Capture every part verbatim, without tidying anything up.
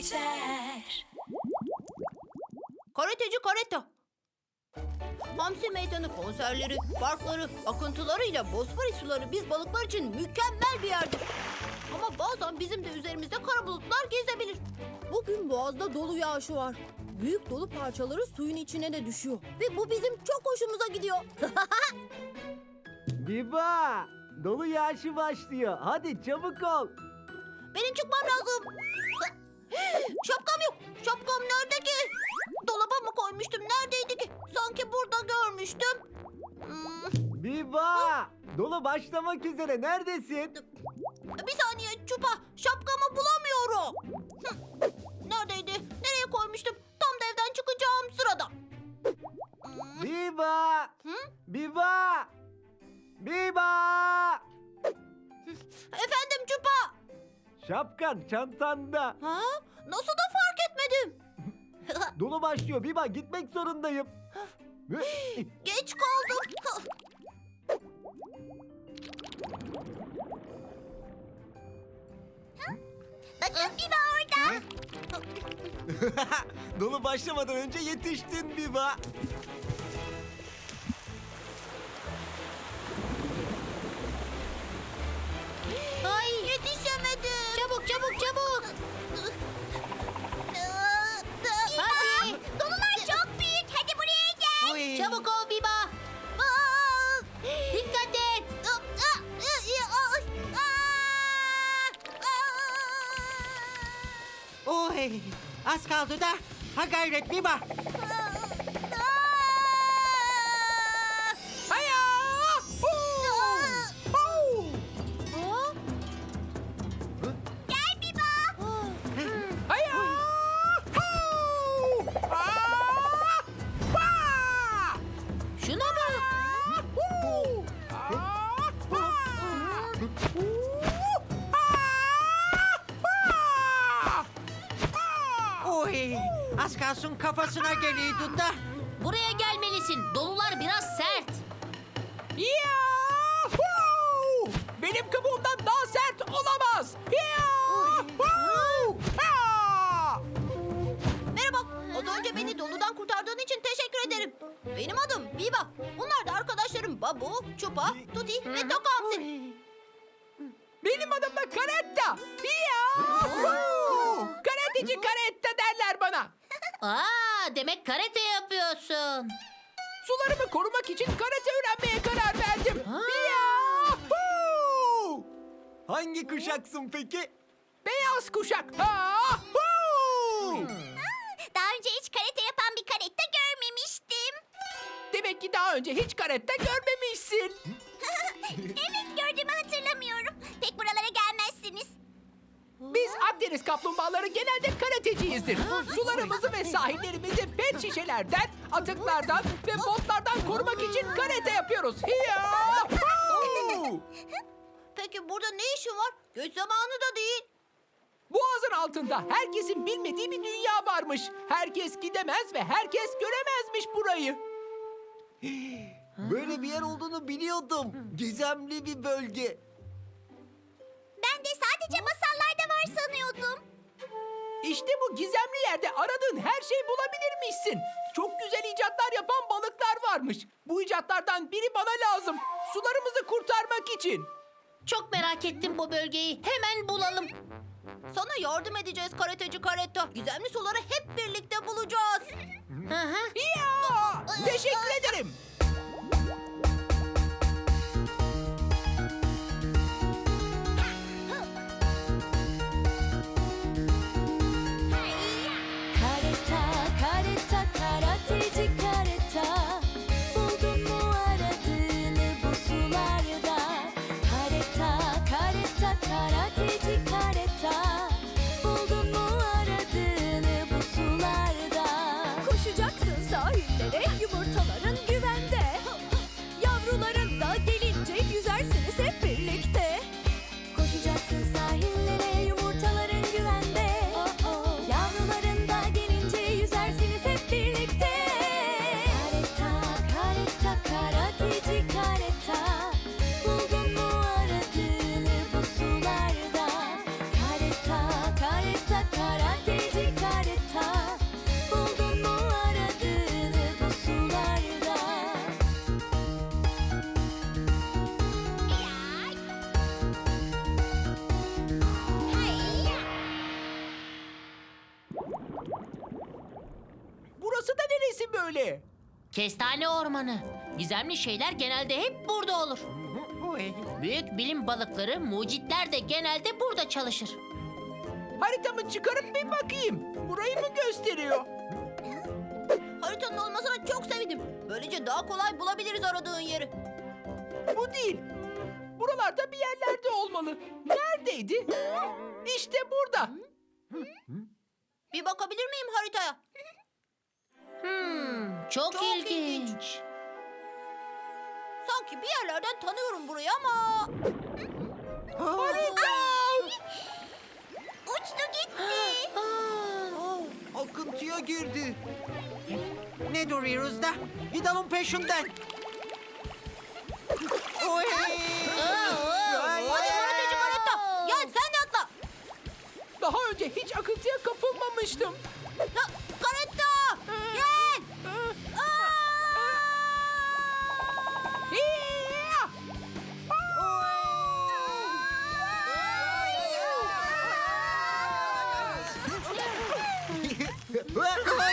geçer. Karateci Kareta. Hamsi Meydanı konserleri, parkları, akıntılarıyla Bosfor suları biz balıklar için mükemmel bir yerdir. Ama bazen bizim de üzerimizde kara bulutlar gezebilir. Bugün boğazda dolu yağışı var. Büyük dolu parçaları suyun içine de düşüyor. Ve bu bizim çok hoşumuza gidiyor. Biba! Dolu yağışı başlıyor. Hadi çabuk ol. Benim çıkmam lazım. Şapkam yok. Şapkam nerede ki? Dolaba mı koymuştum? Neredeydi ki? Sanki burada görmüştüm. Hmm, Biba! Dolu başlamak üzere. Neredesin? bir saniye Çupa. Şapkamı bulamıyorum. Hı, neredeydi? Nereye koymuştum? Tam da evden çıkacağım sırada. Hmm, Biba! Hı? Biba! Biba! efendim Çupa. Şapkan çantanda. Ha? Nasıl da fark etmedim? Dolu başlıyor. Biba gitmek zorundayım. Geç kaldım. Bakın Biba orada. Dolu başlamadan önce yetiştin Biba. Ay yetişemedim. Çabuk çabuk çabuk. Hadi. Dolular çok büyük. Hadi buraya gel. Çabuk ol Biba. Dikkat et. Oy, az kaldı da. Ha gayret Biba. Haya! Huu! Huu! Gel Biba. Haya! Huu! Aa! Vaa! Şuna bak. Huu! Aa! Vaa! Huu! Aa! Vaa! Oy, az kalsın kafasına geliyordu da. Buraya gelmelisin. Dolular biraz sert. Yahoo! Benim kabuğumdan daha sert olamaz. Yahoo! Ha! Merhaba. Az önce beni doludan kurtardığın için teşekkür ederim. Benim adım Biba. Bunlar da arkadaşlarım Babu, Çupa, Tuti ve Tokamsi. Benim adım da Karetta. Yahoo! Karateci Karetta derler bana. Aa, demek karate yapıyorsun. Sularımı korumak için karate öğrenmeye karar verdim. Ha. Yahoo! Hangi kuşaksın peki? Beyaz kuşak. Yahoo! Daha önce hiç karate yapan bir karate görmemiştim. Demek ki daha önce hiç karetta görmemişsin. Evet, gördüğümü hatırlamıyorum. Pek buralara gelmezsiniz. Biz Akdeniz kaplumbağaları genelde karateciyizdir. Sularımızı ve sahillerimizi pet şişelerden, atıklardan ve botlardan korumak için karate yapıyoruz. Yahoo! Peki burada ne işin var? Göç zamanı da değil. Boğazın altında herkesin bilmediği bir dünya varmış. Herkes gidemez ve herkes göremezmiş burayı. Böyle bir yer olduğunu biliyordum. Gizemli bir bölge. Ben de sadece masallarda var sanıyordum. İşte bu gizemli yerde aradığın her şeyi bulabilirmişsin. Çok güzel icatlar yapan balıklar varmış. Bu icatlardan biri bana lazım. Sularımızı kurtarmak için. Çok merak ettim bu bölgeyi. Hemen bulalım. Sana yardım edeceğiz karateci Karetta. Gizemli suları hep birlikte bulacağız. Hı hı. Ya! Teşekkür ederim. Kareta, kareta, karateci kareta. Buldun mu aradığını bu sularda? Kareta, kareta, karateci kareta. Buldun mu aradığını bu sularda? Koşacaksın sahillere, yumurtaların güvende. Yavruların da gelince yüzersiniz hep birlikte. Koşacaksın sahillere, yumurtaların güvende. Yavruların da gelince yüzersiniz hep birlikte. Kareta, kareta, karateci kareta. Buldun mu aradığını bu sularda? Kareta, kareta, karateci böyle? Kestane ormanı. Gizemli şeyler genelde hep burada olur. Oy. Büyük bilim balıkları, mucitler de genelde burada çalışır. Haritamı çıkarıp bir bakayım. Burayı mı gösteriyor? Haritanın olmasına çok sevindim. Böylece daha kolay bulabiliriz aradığın yeri. Bu değil. Buralarda bir yerlerde olmalı. Neredeydi? İşte burada. Bir bakabilir miyim haritaya? Hmm, çok, Çok ilginç. ilginç. Sanki bir yerlerden tanıyorum burayı ama... Harita! Uçtu gitti. Akıntıya girdi. Ne duruyoruz da? Gidelim peşinden. Oy! Ay, Hadi karateci karetta. Gel sen de atla. Daha önce hiç akıntıya kapılmamıştım. Ya, karetta. Gel. Hiya! Ay!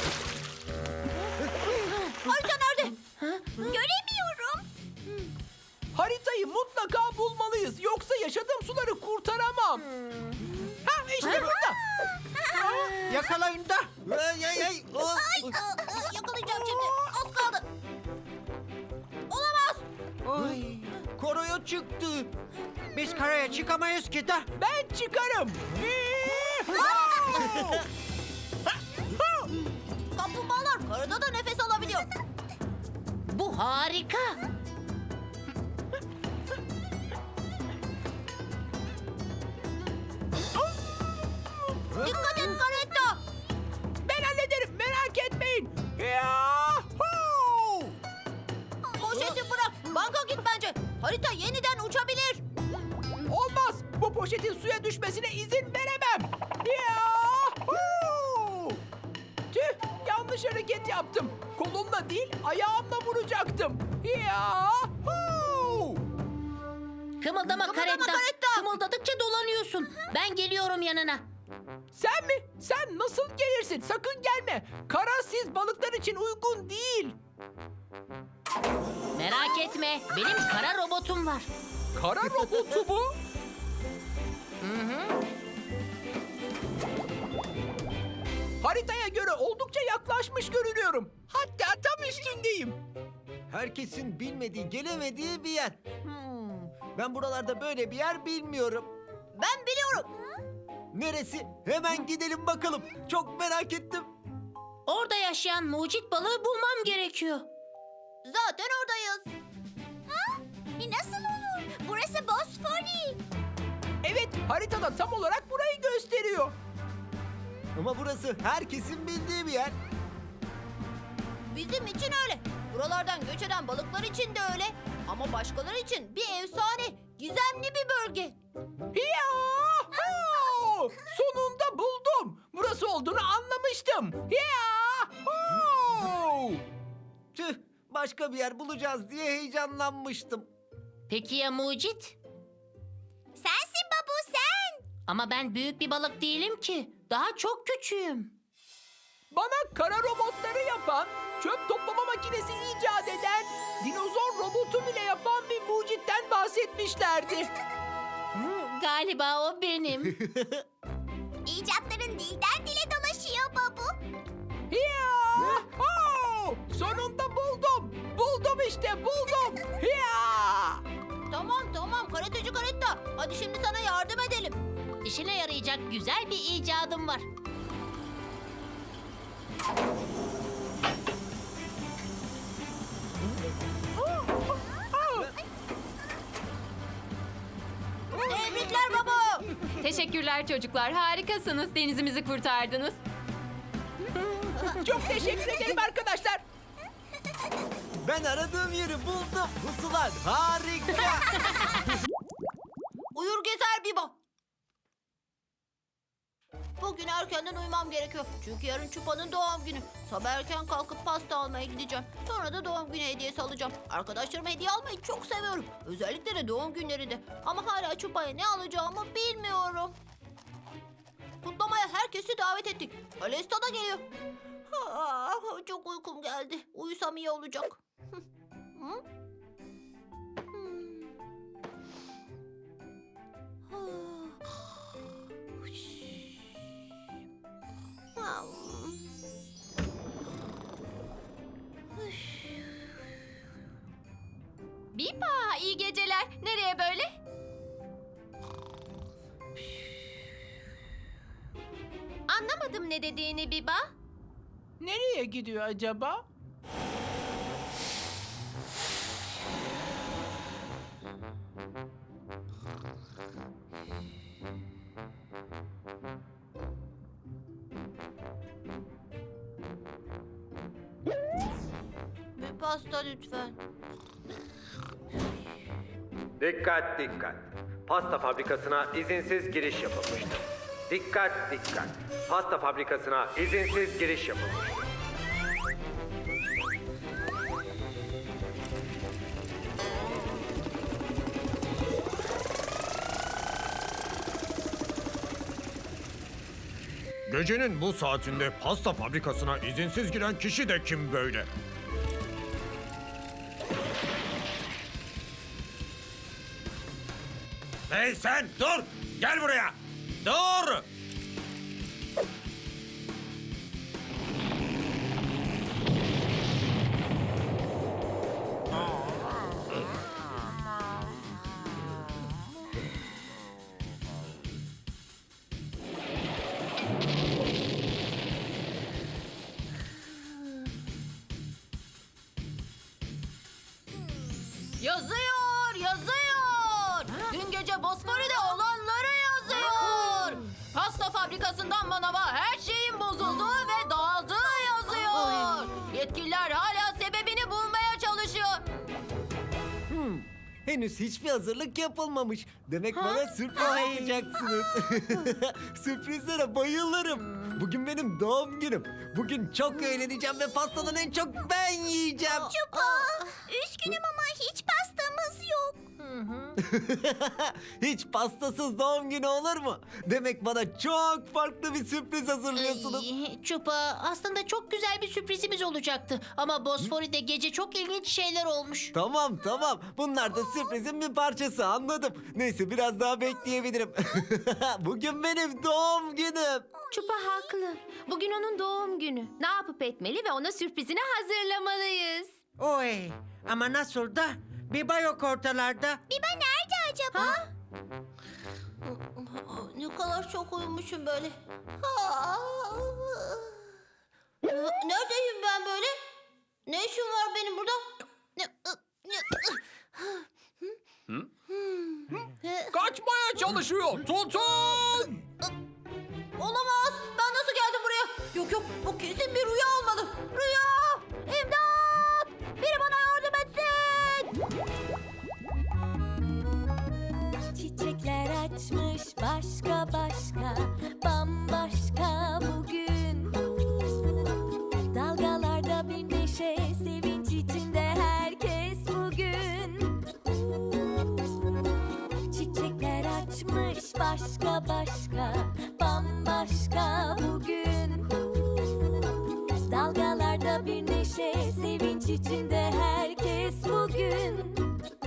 Harita nerede? Göremiyorum. Haritayı mutlaka bulmalıyız. Yoksa yaşadığım suları kurtaramam. Ha işte burada. Yakalayın da. Ay ay ay. Oh. Ay, aa, aa, yakalayacağım şimdi. Az kaldı. Olamaz. Ay, Koroya çıktı. Biz karaya çıkamayız ki da. Ben çıkarım. Kaplumbağalar karada da nefes alabiliyor. Bu harika. Dikkat et karetta. Ben hallederim, merak etmeyin. Yahoo! Poşeti bırak. Banka git bence. Harita yeniden uçabilir. Olmaz. Bu poşetin suya düşmesine izin veremem. Yahoo! Tüh, yanlış hareket yaptım. Kolumla değil, ayağımla vuracaktım. Yahoo! Kımıldama, Kımıldama karetta. karetta. Kımıldadıkça dolanıyorsun. Ben geliyorum yanına. Sen mi? Sen nasıl gelirsin? Sakın gelme. Kara siz balıklar için uygun değil. Merak etme. Benim kara robotum var. Kara robotu bu. Haritaya göre oldukça yaklaşmış görünüyorum. Hatta tam üstündeyim. Herkesin bilmediği, gelemediği bir yer. Hmm, ben buralarda böyle bir yer bilmiyorum. Ben biliyorum. Neresi? Hemen gidelim bakalım. Çok merak ettim. Orada yaşayan mucit balığı bulmam gerekiyor. Zaten oradayız. Ha? Nasıl olur? Burası Bosfori. Evet, haritada tam olarak burayı gösteriyor. Ama burası herkesin bildiği bir yer. Bizim için öyle. Buralardan göç eden balıklar için de öyle. Ama başkaları için bir efsane, gizemli bir bölge. Yahoo! Sonunda buldum. Burası olduğunu anlamıştım. Yahoo! Tüh, başka bir yer bulacağız diye heyecanlanmıştım. Peki ya mucit? Sensin babu sen. Ama ben büyük bir balık değilim ki. Daha çok küçüğüm. Bana kara robotları yapan, çöp toplama makinesi icat eden, dinozor robotu bile yapan bir mucitten bahsetmişlerdi. Hmm, galiba o benim. İcatların dilden dile dolaşıyor babu. Yahoo! Sonunda buldum. Buldum işte buldum. Ya! Tamam tamam karateci karetta. Hadi şimdi sana yardım edelim. İşine yarayacak güzel bir icadım var. Tebrikler babu. Teşekkürler çocuklar. Harikasınız. Denizimizi kurtardınız. Çok teşekkür ederim arkadaşlar. Ben aradığım yeri buldum. Bu sular harika. Uyur gezer Biba. Bugün erkenden uyumam gerekiyor. Çünkü yarın Çupa'nın doğum günü. Sabah erken kalkıp pasta almaya gideceğim. Sonra da doğum günü hediyesi alacağım. Arkadaşlarıma hediye almayı çok seviyorum. Özellikle de doğum günlerinde. Ama hala Çupa'ya ne alacağımı bilmiyorum. Kutlamaya herkesi davet ettik. Alesta da geliyor. Ah, çok uykum geldi. Uyusam iyi olacak. Hı? Hmm. Ah. Biba, iyi geceler. Nereye böyle? Anlamadım ne dediğini Biba. Nereye gidiyor acaba? Bir pasta lütfen. Dikkat dikkat. Pasta fabrikasına izinsiz giriş yapılmıştır. Dikkat dikkat. Pasta fabrikasına izinsiz giriş yapılmıştır. Gecenin bu saatinde pasta fabrikasına izinsiz giren kişi de kim böyle? Hey sen dur! Gel buraya! Dur! Yazıyor, yazıyor. Dün gece Bosfor'da olanları yazıyor. Pasta fabrikasından manava her şeyin bozulduğu ve dağıldığı yazıyor. Yetkililer hala sebebini bulmaya çalışıyor. Hmm, henüz hiçbir hazırlık yapılmamış. Demek bana sürpriz yapacaksınız. Sürprizlere bayılırım. Bugün benim doğum günüm. Bugün çok eğleneceğim ve pastadan en çok ben yiyeceğim. Üzgünüm ama hiç pastamız yok. Hiç pastasız doğum günü olur mu? Demek bana çok farklı bir sürpriz hazırlıyorsunuz. Ay, Çupa, aslında çok güzel bir sürprizimiz olacaktı. Ama Bosfori'de gece çok ilginç şeyler olmuş. Tamam tamam. Bunlar da sürprizin bir parçası, anladım. Neyse biraz daha bekleyebilirim. Bugün benim doğum günüm. Çupa haklı. Bugün onun doğum günü. Ne yapıp etmeli ve ona sürprizini hazırlamalıyız. Oy, ama nasıl da? Biba yok ortalarda. Biba nerede acaba? Ne kadar çok uyumuşum böyle. Neredeyim ben böyle? Ne işim var benim burada? Kaçmaya çalışıyor. Tutun! Olamaz. Ben nasıl geldim buraya? Yok yok, bu kesin bir rüya olmalı. Rüya! İmdat! Biri bana yardım etsin! Çiçekler açmış başka başka, bambaşka bugün. Dalgalarda bir neşe, sevinç içinde herkes bugün. Çiçekler açmış başka başka, bambaşka bugün. Dalgalarda bir neşe, sevinç içinde herkes bugün.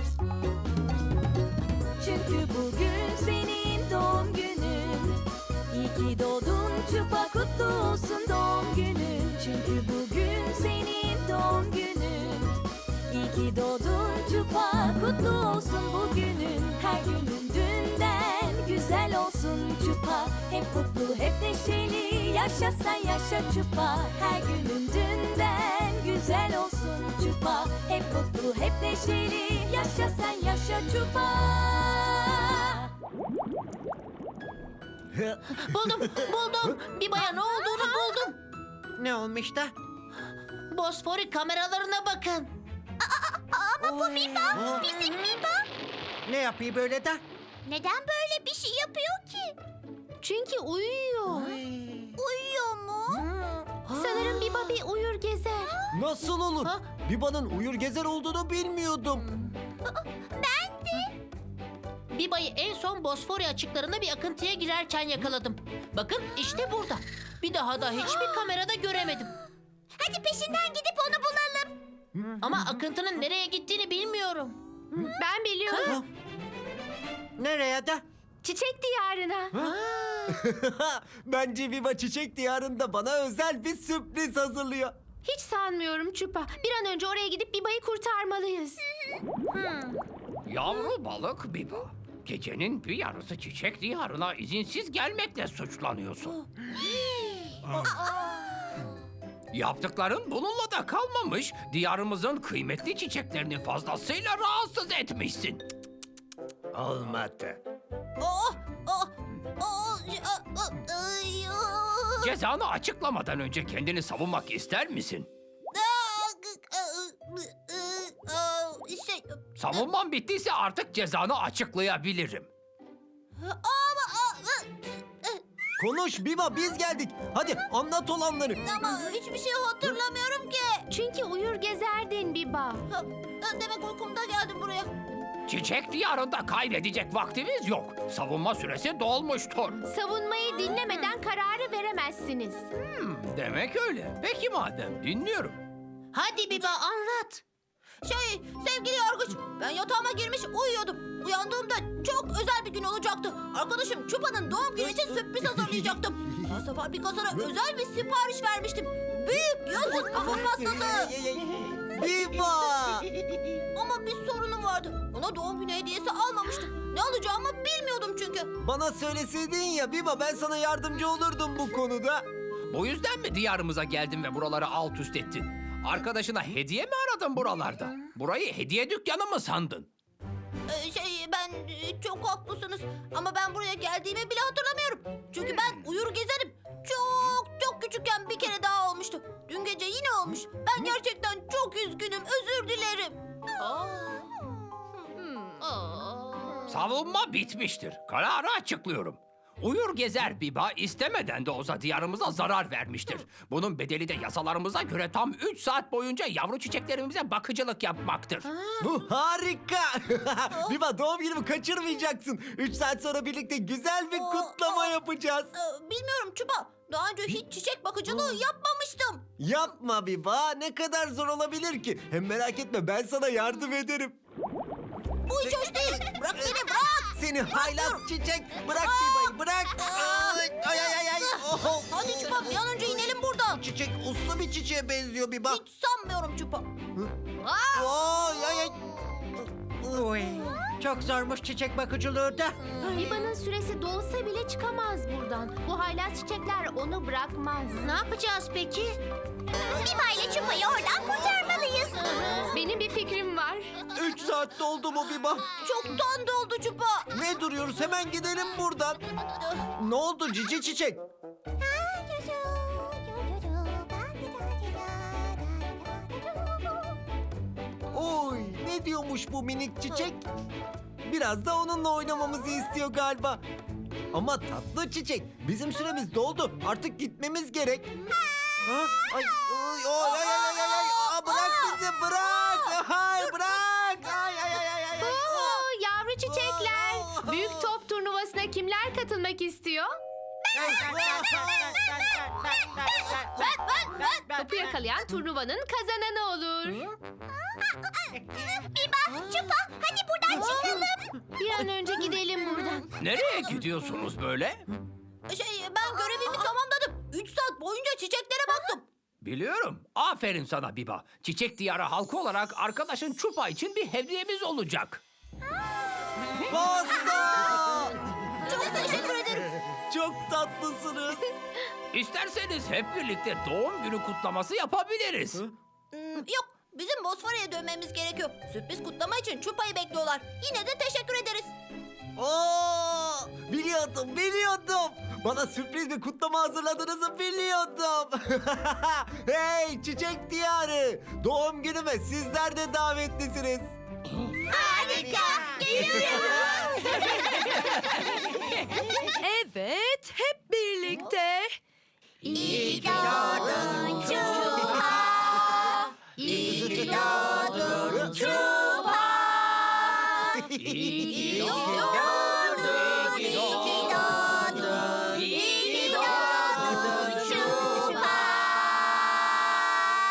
Çünkü bugün senin doğum günün. İyi ki doğdun Çupa, kutlu olsun doğum günün. Çünkü bugün senin doğum günün. İyi ki doğdun Çupa, kutlu olsun bugünün. Her günün dünden güzel olsun Çupa. Hep mutlu, hep neşeli, yaşa sen yaşa Çupa. Her günün dünden güzel olsun Çupa. Hep mutlu, hep neşeli, yaşa sen yaşa Çupa. Buldum, buldum. Biba'ya ne olduğunu buldum. Ne olmuş da? Bosfori kameralarına bakın. Ama bu Biba, bizim Biba. Ne yapıyor böyle de? Neden böyle bir şey yapıyor ki? Çünkü uyuyor. Uyuyor mu? Sanırım Biba bir uyur gezer. Nasıl olur? Ha? Biba'nın uyur gezer olduğunu bilmiyordum. Biba'yı en son Bosfori açıklarında bir akıntıya girerken yakaladım. Bakın işte burada. Bir daha da hiçbir kamerada göremedim. Hadi peşinden gidip onu bulalım. Ama akıntının nereye gittiğini bilmiyorum. Ben biliyorum. Nereye de? Çiçek diyarına. Bence Viva Çiçek Diyarı'nda bana özel bir sürpriz hazırlıyor. Hiç sanmıyorum Çupa. Bir an önce oraya gidip Biba'yı kurtarmalıyız. Yavru balık Biba. Gecenin bir yarısı çiçek diyarına izinsiz gelmekle suçlanıyorsun. Yaptıkların bununla da kalmamış. Diyarımızın kıymetli çiçeklerini fazlasıyla rahatsız etmişsin. Olmadı. Oh, oh, oh, oh, ay, oh. Cezanı açıklamadan önce kendini savunmak ister misin? Şey, Savunman bittiyse artık cezanı açıklayabilirim. Konuş Viva, biz geldik. Hadi anlat olanları. ama hiçbir şey hatırlamıyorum ki. Çünkü uyur gezerdin Biba. Ha, Demek uykumda geldim buraya. Çiçek diyarında kaybedecek vaktimiz yok. Savunma süresi dolmuştur. Savunmayı dinlemeden kararı veremezsiniz. Hmm, demek öyle. Peki madem dinliyorum. Hadi Biba anlat. Şey, sevgili yargıç, ben yatağıma girmiş uyuyordum. Uyandığımda çok özel bir gün olacaktı. Arkadaşım Çupa'nın doğum günü için sürpriz hazırlayacaktım. Pasta fabrikasına özel bir sipariş vermiştim. Büyük yazın kafa pastası. Viva! Ama bir sorunum vardı. Ona doğum günü hediyesi almamıştım. Ne alacağımı bilmiyordum çünkü. Bana söyleseydin ya Viva, ben sana yardımcı olurdum bu konuda. Bu yüzden mi diyarımıza geldin ve buraları alt üst ettin? Arkadaşına hediye mi aradın buralarda? Burayı hediye dükkanı mı sandın? Ee, şey, ben e, çok haklısınız. Ama ben buraya geldiğimi bile hatırlamıyorum. Çünkü ben uyur gezerim. Çok çok küçükken bir kere daha olmuştu. Dün gece yine olmuş. Ben gerçekten çok üzgünüm. Özür dilerim. Savunma bitmiştir. Kararı açıklıyorum. Uyur gezer Biba istemeden de olsa diyarımıza zarar vermiştir. Bunun bedeli de yasalarımıza göre tam üç saat boyunca yavru çiçeklerimize bakıcılık yapmaktır. Bu harika. Viva, doğum günümü kaçırmayacaksın. Üç saat sonra birlikte güzel bir kutlama yapacağız. Ee, bilmiyorum Çupa. Daha önce hiç çiçek bakıcılığı yapmamıştım. Yapma Viva, ne kadar zor olabilir ki? Hem merak etme, ben sana yardım ederim. Bu hiç hoş değil. Bırak beni, bırak. Seni haylaz çiçek, bırak Viva'yı, bırak. Ay ay ay ay. Oh. Hadi Çupa, bir an önce inelim buradan. Çiçek uslu bir çiçeğe benziyor Viva. Hiç sanmıyorum Çupa. Ay ay ay. Uy, çok zormuş çiçek bakıcılığı da. Biba'nın süresi dolsa bile çıkamaz buradan. Bu haylaz çiçekler onu bırakmaz. Ne yapacağız peki? Biba ile Çupa'yı oradan kurtarmalıyız. Benim bir fikrim var. Üç saat doldu mu Viva? Çoktan doldu Çupa. Ne duruyoruz? Hemen gidelim buradan. Ne oldu cici çiçek? Oy, ne diyormuş bu minik çiçek? Biraz da onunla oynamamızı istiyor galiba. Ama tatlı çiçek, bizim süremiz doldu. Artık gitmemiz gerek. Ha? Ay, ay, ay, ay, ay, ay, ay. Aa, bırak bizi, bırak. Ay, bırak. Ay, ay, ay, ay, ay. Oo, yavru çiçekler. Büyük top turnuvasına kimler katılmak istiyor? Topu yakalayan turnuvanın kazananı olur. Biba, Çupa hadi buradan çıkalım. Bir an önce gidelim buradan. Nereye gidiyorsunuz böyle? Şey, ben görevimi tamamladım. Üç saat boyunca çiçeklere baktım. Biliyorum. Aferin sana Biba. Çiçek diyarı halkı olarak arkadaşın Çupa için bir hediyemiz olacak. Pasta! Çok teşekkür ederim. Çok tatlısınız. İsterseniz hep birlikte doğum günü kutlaması yapabiliriz. Hmm, yok, bizim Bosfor'a dönmemiz gerekiyor. Sürpriz kutlama için Çupa'yı bekliyorlar. Yine de teşekkür ederiz. Oo, biliyordum, biliyordum. Bana sürpriz bir kutlama hazırladığınızı biliyordum. Hey çiçek diyarı, doğum günüme sizler de davetlisiniz. Harika. Geliyoruz. Evet, hep birlikte. İyi ki doğdun Çupa. İyi ki doğdun Çupa. İyi ki doğdun, iyi ki doğdun, iyi ki doğdun Çupa.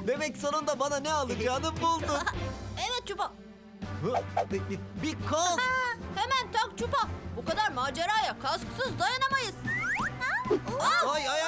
Demek sonunda bana ne alacağını buldun. Evet Çupa. Bir, bir kask. Hemen tak Çupa. Bu kadar maceraya kasksız dayanamayız. Ay ay